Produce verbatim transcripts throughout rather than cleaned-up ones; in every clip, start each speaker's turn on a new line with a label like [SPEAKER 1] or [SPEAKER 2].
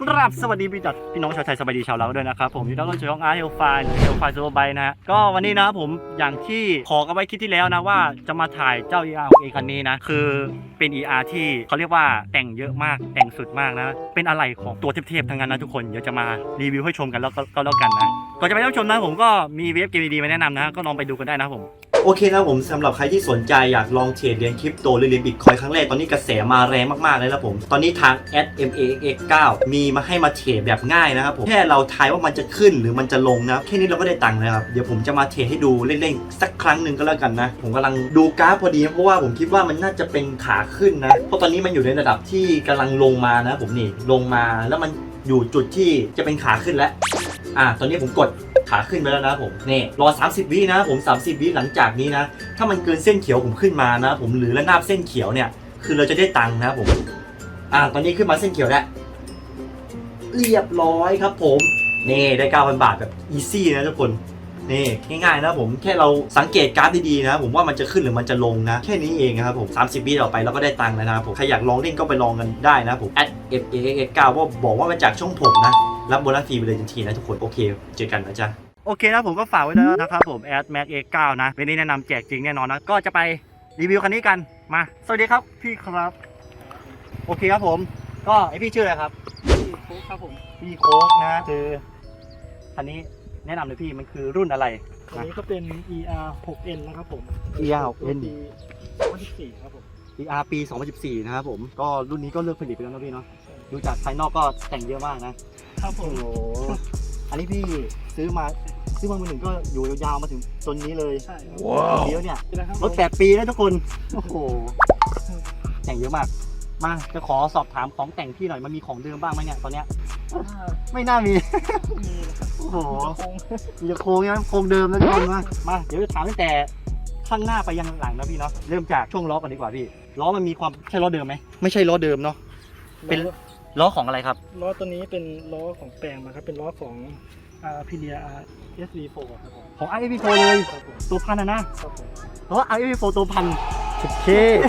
[SPEAKER 1] ครับสวัสดีพี่จัดพี่น้องชาวไทยสบายดีชาวเราด้วยนะครับผมที่ต้องช่วยของอาร์เฮลไฟหรือเฮลไฟซูเปอร์ไบค์นะฮะก็วันนี้นะผมอย่างที่ขอกันไว้คลิปที่แล้วนะว่าจะมาถ่ายเจ้า อี อาร์ ของเอคันนี้นะคือเป็น อี อาร์ ที่เขาเรียกว่าแต่งเยอะมากแต่งสุดมากนะเป็นอะไรของตัวเทพๆทั้งนั้นนะทุกคนเดี๋ยวจะมารีวิวให้ชมกันแล้วก็แล้วกันนะก่อนจะไปรับชมนะผมก็มีเว็บเกมดีๆมาแนะนำนะก็ลองไปดูกันได้นะผมโอเคนะผมสำหรับใครที่สนใจอยากลองเทรดเหรียญคริปโตหรือเหรียญบิตคอยน์ครั้งแรกตอนนี้กระแสมาแรงมากๆเลยนะผมตอนนี้ทาง แอท เอ็ม เอ เอ็กซ์ เอ็กซ์ เก้า มีมาให้มาเทรดแบบง่ายนะครับผมแค่เราทายว่ามันจะขึ้นหรือมันจะลงนะแค่นี้เราก็ได้ตังค์แล้วครับเดี๋ยวผมจะมาเทรดให้ดูเล่นๆสักครั้งหนึ่งก็แล้วกันนะผมกำลังดูกราฟพอดีเพราะว่าผมคิดว่ามันน่าจะเป็นขาขึ้นนะเพราะตอนนี้มันอยู่ในระดับที่กำลังลงมานะผมนี่ลงมาแล้วมันอยู่จุดที่จะเป็นขาขึ้นแล้วอ่ะตอนนี้ผมกดขาขึ้นไปแล้วนะผมนี่รอสามสิบวินะผมสามสิบวิหลังจากนี้นะถ้ามันเกินเส้นเขียวผมขึ้นมานะผมหรือระนาบเส้นเขียวเนี่ยคือเราจะได้ตังค์นะผมอ่ะตอนนี้ขึ้นมาเส้นเขียวแล้วเรียบร้อยครับผมนี่ได้ เก้าพัน บาทแบบอีซี่นะทุกคนนี่ง่ายๆนะผมแค่เราสังเกตกราฟดีๆนะผมว่ามันจะขึ้นหรือมันจะลงนะแค่นี้เองนะครับผมสามสิบวิต่อไปเราก็ได้ตังค์แล้วนะครับผมใครอยากลองเล่นก็ไปลองกันได้นะผม แอท เอ็ม เอ เอ็กซ์ เอ็กซ์ เก้า ว่าบอกว่ามาจากช่องผมนะรับโบนัสฟรีไปเลยทันทีนะทุกคนโอเคเจอกันนะจ๊ะโอเคนะผมก็ฝากไว้แล้วนะครับผม แอท แม็ก เอ็กซ์ เก้า นะวันนี้แนะนำแจกจริงแน่นอนนะก็จะไปรีวิวคันนี้กันมาสวัสดีครับพี่ครับโอเคครับผมก็ไอพี่ชื่ออะไรครับพี่โค้กครับผมพี่โค้กนะคือคันนี้แนะนำเลยพี่มันคือรุ่นอะไร
[SPEAKER 2] อันนี้ก็เป็น อี อาร์ หกเอ็น นะครับผม
[SPEAKER 1] อี อาร์ หกเอ็น
[SPEAKER 2] ปีสองพันสิบสี่ครับผม
[SPEAKER 1] อี อาร์ ปี สองพันสิบสี่ นะครับผมก็รุ่นนี้ก็เลือกผลิตไปแล้วนะพี่เนาะดูจากภายนอกก็แต่งเยอะมากนะครับผ
[SPEAKER 2] โอ้
[SPEAKER 1] ม
[SPEAKER 2] โห
[SPEAKER 1] อันนี้พี่ซื้อมาซื้อมามือหนึ่งก็อยู่ยาวๆมาถึงจนนี้เลย
[SPEAKER 2] ใช่ครับ
[SPEAKER 1] ว้าวเยอะเนี่ย
[SPEAKER 2] นะครับ
[SPEAKER 1] รถแปดปีนะทุกคนโอ้โหแต่งเยอะมากมาจะขอสอบถามของแต่งพี่หน่อยมันมีของเดิมบ้างไหมเนี่ยตอนเนี้ย
[SPEAKER 2] อ่า
[SPEAKER 1] ไม่น่ามี
[SPEAKER 2] มีนะครับ
[SPEAKER 1] โอ้โห
[SPEAKER 2] คง
[SPEAKER 1] มีแต่โครงนะโครงเดิมนะทุกคนมามาเดี๋ยวจะถามตั้งแต่ข้างหน้าไปยังหลังนะพี่เนาะเริ่มจากช่วงล้อก่อนดีกว่าพี่ล้อมันมีความใช่ล้อเดิมไหมไม่ใช่ล้อเดิมเนาะเป็นล้อของอะไรครับ
[SPEAKER 2] ล้อตัวนี้เป็นล้อของแปลงมาครับเป็นล้อของอ่าพิเลีย อาร์ เอส วี โฟร์ ครับผม
[SPEAKER 1] ของ อาร์ เอฟ วี โฟร์ เลย
[SPEAKER 2] ครับผม
[SPEAKER 1] ตัวพันนะนะครับ
[SPEAKER 2] ผม
[SPEAKER 1] เพราะว่า อาร์ เอฟ วี โฟร์ ตัวพันโอเค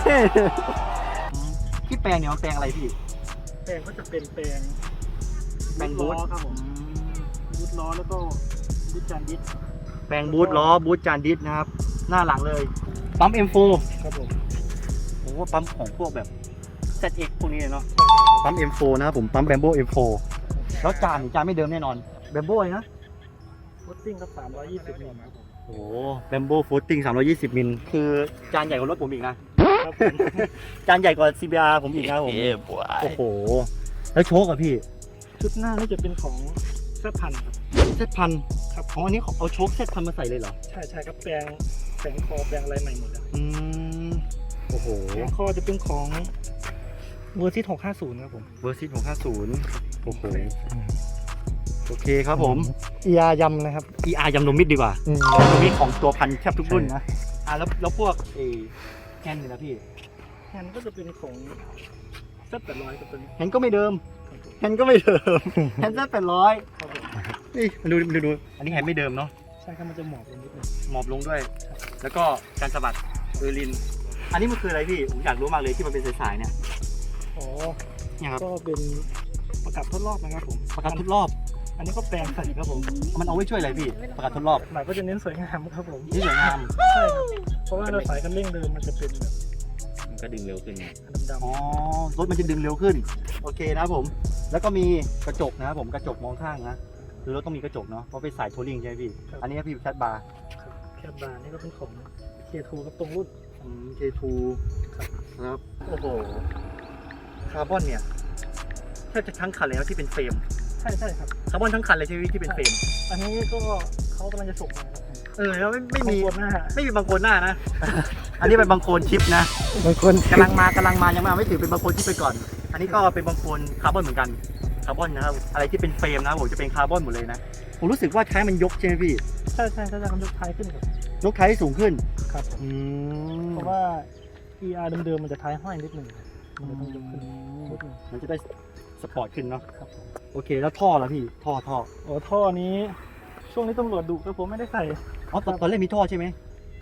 [SPEAKER 1] ที่แปลงเนี่ยมันแปลงอะไรพี่
[SPEAKER 2] แปลงก็จะเป็นแปลง
[SPEAKER 1] แปลงบู
[SPEAKER 2] ล้
[SPEAKER 1] ท
[SPEAKER 2] อครับผมบูทล้อแล้วก็บูทจานดิส
[SPEAKER 1] แปลงบูทล้อบูทจานดิสนะครับหน้าหลังเลยปั๊ม เอ็ม โฟร์
[SPEAKER 2] ครับผม
[SPEAKER 1] โอ้โหปั๊มของพวกแบบ แซด เอ็กซ์ พวกนี้เลยเนาะปั๊ม เอ็ม โฟร์ นะครับผมปั๊ม Brembo เอ็ม โฟร์ แล้วจานนี่จานไม่เดิมแน่นอน Brembo เลยนะ
[SPEAKER 2] ฟุตติ้งก็สามร้อยยี่สิบมิลครับผม
[SPEAKER 1] โอ้โห Brembo Footing สามร้อยยี่สิบมิลคือจานใหญ่กว่ารถผมอีกนะครับ
[SPEAKER 2] ผม
[SPEAKER 1] จานใหญ่กว่า ซี บี อาร์ ผมอีกนะผมโอ้โหแล้วโชคอะพี่
[SPEAKER 2] ชุดหน้านี่จะเป็นของเซตพันครับ
[SPEAKER 1] เซตพัน
[SPEAKER 2] ครับ
[SPEAKER 1] ของอันนี้เอาโชคเซตพันมาใส่เลยเหรอ
[SPEAKER 2] ใช่ใช่ครับแปลงแปลงคอแปลงอะไรใหม่หมดเลย
[SPEAKER 1] อืมโอ้โห
[SPEAKER 2] แปลงคอจะเป็นของเวอร์ซิตหกห้าศูนย์ครับผม
[SPEAKER 1] เวอร์ซิตหกห้าศูนย์โอ้โหโอเคครับผม
[SPEAKER 2] เอียยำนะครับ
[SPEAKER 1] อี อาร์ ยำนมมิดดีกว่า
[SPEAKER 2] อืม
[SPEAKER 1] ยำนมมิดของตัวพันแทบทุกรุ่นนะอ่ะแล้วแล้วพวกเอแฮนด์นี่นะพี่
[SPEAKER 2] แฮนด์ก็จะเป็นของเซตแปดร้อยกับตัวนี้
[SPEAKER 1] แฮนด์ก็ไม่เดิมแฮนด์ก็ไม่เดิมแฮนด์เซตแปดร้อย
[SPEAKER 2] ครับผม
[SPEAKER 1] นี่มาดูดูดูอันนี้แฮนด์ไม่เดิมเนาะ
[SPEAKER 2] ใช่ครับมันจะหมอบลงนิดนึง
[SPEAKER 1] หมอบลงด้วย แล้วก็การสะบัดเออร์ลิน อันนี้มันคืออะไรพี่ผมอยากรู้มากเลยที่มันเป็นสายๆเนี่ย
[SPEAKER 2] อ๋อ
[SPEAKER 1] เนี่ยครับ
[SPEAKER 2] ก็เป็นประกับทดรอบนะครับผม
[SPEAKER 1] ประกันทดรอบ
[SPEAKER 2] อันนี้ก็แปลงใส่ครับผม
[SPEAKER 1] มันเอาไว้ช่วยอะไรพี่ประกันทดรอบ
[SPEAKER 2] หมายก็จะเน้นสวยงามครับผม
[SPEAKER 1] นี่สวยงาม
[SPEAKER 2] ใช่ครับเพราะว่าเราสายคันเร่งเดิมมันจะเป็นแบบ
[SPEAKER 3] มันก็ดึงเร็วขึ้นไง
[SPEAKER 2] ดำ
[SPEAKER 1] อ๋อรถมันจะดึงเร็วขึ้นโอเคนะครับผม แล้วก็มีกระจกนะครับผมกระจกมองข้างนะคือรถต้องมีกระจกเนาะเพราะเป็นสายโทรลิ่งใช่ไหมพี่อันนี้พี่แคทบาร์
[SPEAKER 2] ๆครับแคบบาร์นี่ก็เป็นของ เค ทู ครับตรงรุ่น
[SPEAKER 1] อืม เค ทู ครับโอ้โหคาร์บอนเนี่ยแทบจะทั้งคันเลยนะที่เป็นเฟรม
[SPEAKER 2] ใช่ใช่ครับ
[SPEAKER 1] คาร์บอนทั้งคันเลยใช่ไหมที่เป็นเฟรม
[SPEAKER 2] อันนี้ก็เขากำลังจะส่งมาครับผม
[SPEAKER 1] เออแล้วไม่ไม่มี
[SPEAKER 2] บางคนหน้า
[SPEAKER 1] ไม่มีบางโคนหน้านะ อันนี้เป็นบางโคนชิปนะ
[SPEAKER 2] บางคน
[SPEAKER 1] กำลังมากำลังมายังไม่เอาไม่ถือเป็นบางโคนชิปไปก่อน อันนี้ก็เป็นบางโคนคาร์บอนเหมือนกันคาร์บอนนะครับอะไรที่เป็นเฟรมนะผมจะเป็นคาร์บอนหมดเลยนะผมรู้สึกว่าท้ายมันยกใช่ไหมพี่
[SPEAKER 2] ใช่ใช่ใช่ใช่คำยกท้ายขึ้นครับ
[SPEAKER 1] ยกท้ายให้สูงขึ้น
[SPEAKER 2] ครับผม
[SPEAKER 1] อืม
[SPEAKER 2] เพราะว่า อี อาร์ เดิมๆมันจะท้ายห้อยนิดหนึ่งมันจะต้องยกขึ้นนิดหนึ่ง
[SPEAKER 1] มันจะได้สปอร์ตขึ้นเนาะ
[SPEAKER 2] ครับผม
[SPEAKER 1] โอเคแล้วท่อละพี่ท่อท่อ
[SPEAKER 2] โอ้ท่อนี้ช่วงนี้ตำรวจดุครับผมไม่ได้ใส่
[SPEAKER 1] อ๋อตอนตอนแรกมีท่อใช่ไหม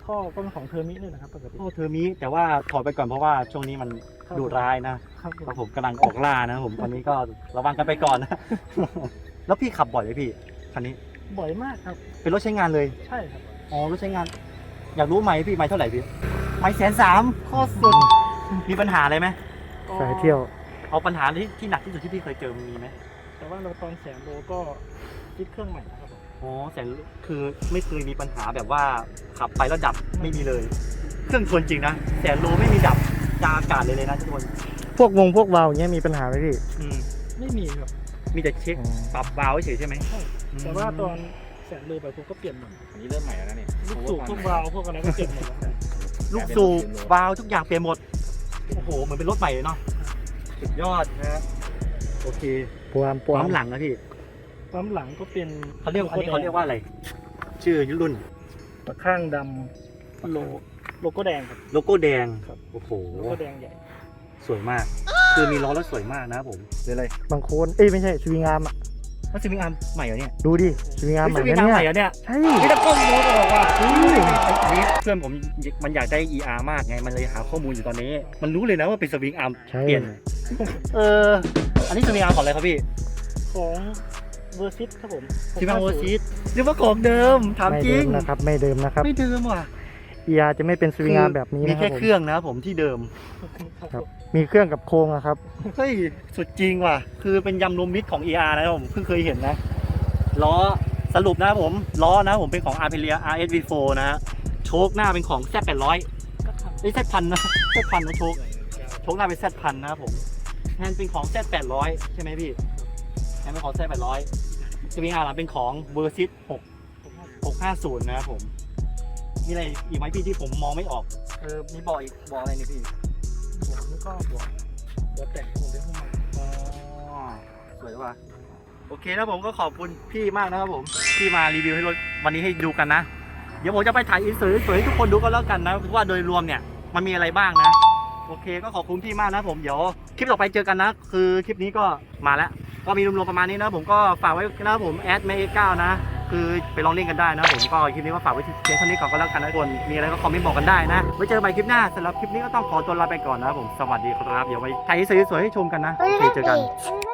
[SPEAKER 2] ท่อก็เป็นของเทอร์มิเลยนะครับปกติ
[SPEAKER 1] โอ้เทอร์มิแต่ว่าถอดไปก่อนเพราะว่าช่วงนี้มัน
[SPEAKER 2] ครับ
[SPEAKER 1] ดุร้ายนะครับ
[SPEAKER 2] ผม
[SPEAKER 1] ครับผมกำลังออกล่านะครับผมตอนนี้ก็ระวังกันไปก่อนนะ แล้วพี่ขับบ่อยไหมพี่คันนี้
[SPEAKER 2] บ่อยมากครับ
[SPEAKER 1] เป็นรถใช้งานเลย
[SPEAKER 2] ใช่ครับ
[SPEAKER 1] อ๋อรถใช้งาน อยากรู้ไหมพี่ไหมเท่าไหร่พี่ไหมแสนสามโคตรสุดมีปัญหาอะไรไหม
[SPEAKER 2] ก็
[SPEAKER 4] สายเที่ยว
[SPEAKER 1] เอาปัญหาที่ที่หนักที่สุดที่พี่เคยเจอมีไหม
[SPEAKER 2] แต่ว่าเราตอนแสนโลก็คิดเครื่องใหม่นะครับผม
[SPEAKER 1] อ๋อแสนคือไม่เคยมีปัญหาแบบว่าขับไปแล้วดับไม่มีเลย เครื่องทนจริงนะแสนโลไม่มีดับจาอากาศเลยเลยนะทุกคน
[SPEAKER 4] พวกวงพวกวาล์วอย่างเงี้ยมีปัญหาไหมพี่
[SPEAKER 1] อืม
[SPEAKER 2] ไม่มีครับ
[SPEAKER 1] มีแต่เช็ค
[SPEAKER 4] อืม
[SPEAKER 1] ปรับบาล์วเฉยๆใช่ไหม
[SPEAKER 2] ใช่แต่ว่าตอนแสนโลไปผมก็เปลี่ยนหมด
[SPEAKER 3] อันนี้เริ่มใหม่แล้วนะเนี่ย
[SPEAKER 2] ลูกสูบพวกวาล์วพวกอะไรก็เปลี่ยนหมดแล้วครับ
[SPEAKER 1] ลูกสูบวาล์วทุกอย่างเปลี่ยนหมดโอ้โหเหมือนเป็นรถใหม่เลยเนาะสุดยอดนะโอเค
[SPEAKER 4] ปวามปวา
[SPEAKER 1] ปั๊
[SPEAKER 4] ม
[SPEAKER 1] มหลังนะพี่
[SPEAKER 2] ปั๊มหลังก็เป็น
[SPEAKER 1] เขาเรียกอันนี้เขาเรียกว่าอะไร ชื่อรุ่น
[SPEAKER 2] ตะข้างดำโลโลโก้แดงครับ
[SPEAKER 1] โลโก้แดง
[SPEAKER 2] ครับ
[SPEAKER 1] โอ้โห
[SPEAKER 2] โลโก้แดงใหญ่
[SPEAKER 1] สวยมาก คือมีล้อแล้วสวยมากนะครับผมเดี๋ยวเลย
[SPEAKER 4] บางโคนเอ้ยไม่ใช่สวิงอาร์มอ่ะ
[SPEAKER 1] มันจะมีอาร์มใหม่เหรอเนี่ย
[SPEAKER 4] ดูดิสวิงอาร์มใหม่
[SPEAKER 1] จะมี
[SPEAKER 4] นะ
[SPEAKER 1] อาร์ม
[SPEAKER 4] เนี่
[SPEAKER 1] ใหม่
[SPEAKER 4] ย
[SPEAKER 1] เหรอเนี่ย
[SPEAKER 4] ใช่
[SPEAKER 1] ไม่ต้องก้มรถออกว่ะอันนี้เพื่อนผมมันอยากได้ อี อาร์ มากไง มันเลยหาข้อมูลอยู่ตอนนี้ มันรู้เลยนะว่าเป็นสวิงอาร์ม
[SPEAKER 4] ใช่
[SPEAKER 1] เปลี่ยน เออ อันนี้สวิงอาร์มของอะไรครับพี่
[SPEAKER 2] ของเวอร์ซิตครับผม
[SPEAKER 1] สวิงอาร์มโอซีดหรือว่าของเดิม ถาม
[SPEAKER 4] ไม่
[SPEAKER 1] จริ
[SPEAKER 4] เดิ
[SPEAKER 1] ง
[SPEAKER 4] มนะครับไม่เดิมนะครับ
[SPEAKER 1] ไม่เดิมว่ะ
[SPEAKER 4] เอียจะไม่เป็นสวิงอาร์มแบบนี้
[SPEAKER 1] มี
[SPEAKER 4] นะครั
[SPEAKER 1] แค่
[SPEAKER 4] บผม
[SPEAKER 1] เครื่องนะครับผมที่เดิม
[SPEAKER 4] ครับ มีเครื่องกับโครงอะครับ
[SPEAKER 1] เฮ้ย สุดจริงว่ะ คือเป็นยำรวมมิตรของ อี อาร์ นะครับผมเพิ่งเคยเห็นนะ ล้อสรุปนะครับผม ล้อนะผมเป็นของ Aprilia อาร์ เอส วี โฟร์ นะฮะโชคหน้าเป็นของ แซด แปดร้อย
[SPEAKER 2] ก็ท
[SPEAKER 1] ไม่ใช่พันนะ แซดพันนะโชค โชคหน้าเป็น แซดพันนะครับผมแฮนด์เป็นของ แซด แปดร้อย ใช่ไหมพี่แฮนด์เป็นของ แซด แปดร้อย สวิงอาร์หลังเป็นของ Versys หก หกห้าศูนย์นะครับผม มีอะไรอีกไหมพี่ที่ผมมองไม่ออก เออ มีบอกอีกบอกอะไรนี่พี่
[SPEAKER 2] ำหัวนี่ก็หัวหัวแต่งผมเรียกว่าใหม่
[SPEAKER 1] อ๋อสวยว่ะโอเคนะผมก็ขอบคุณพี่มากนะครับผมที่มารีวิวให้รถวันนี้ให้ดูกันนะ เดี๋ยวผมจะไปถ่ายอินเสิร์ตสวยๆให้ทุกคนดูกันแล้วกันนะว่าโดยรวมเนี่ยมันมีอะไรบ้างนะ โอเคก็ขอบคุณพี่มากนะผมเดี๋ยวคลิปต่อไปเจอกันนะ คือคลิปนี้ก็มาแล้วก็มีรวมๆประมาณนี้นะผมก็ฝากไว้นะครับผมแอดเมย์เก้านะคือไปลองเล่นกันได้นะผมก็คลิปนี้ก็ฝากไว้ที่เพียงเท่านี้ก่อนก็แล้วกันนะทุกคนมีอะไรก็คอมเมนต์บอกกันได้นะไว้เจอกันใหม่คลิปหน้าสำหรับคลิปนี้ก็ต้องขอตัวลาไปก่อนนะครับผมสวัสดีครับเดี๋ยวไว้ถ่ายอินเสิร์ตสวยๆให้ชมกันนะโอเคเจอกัน
[SPEAKER 5] Baby,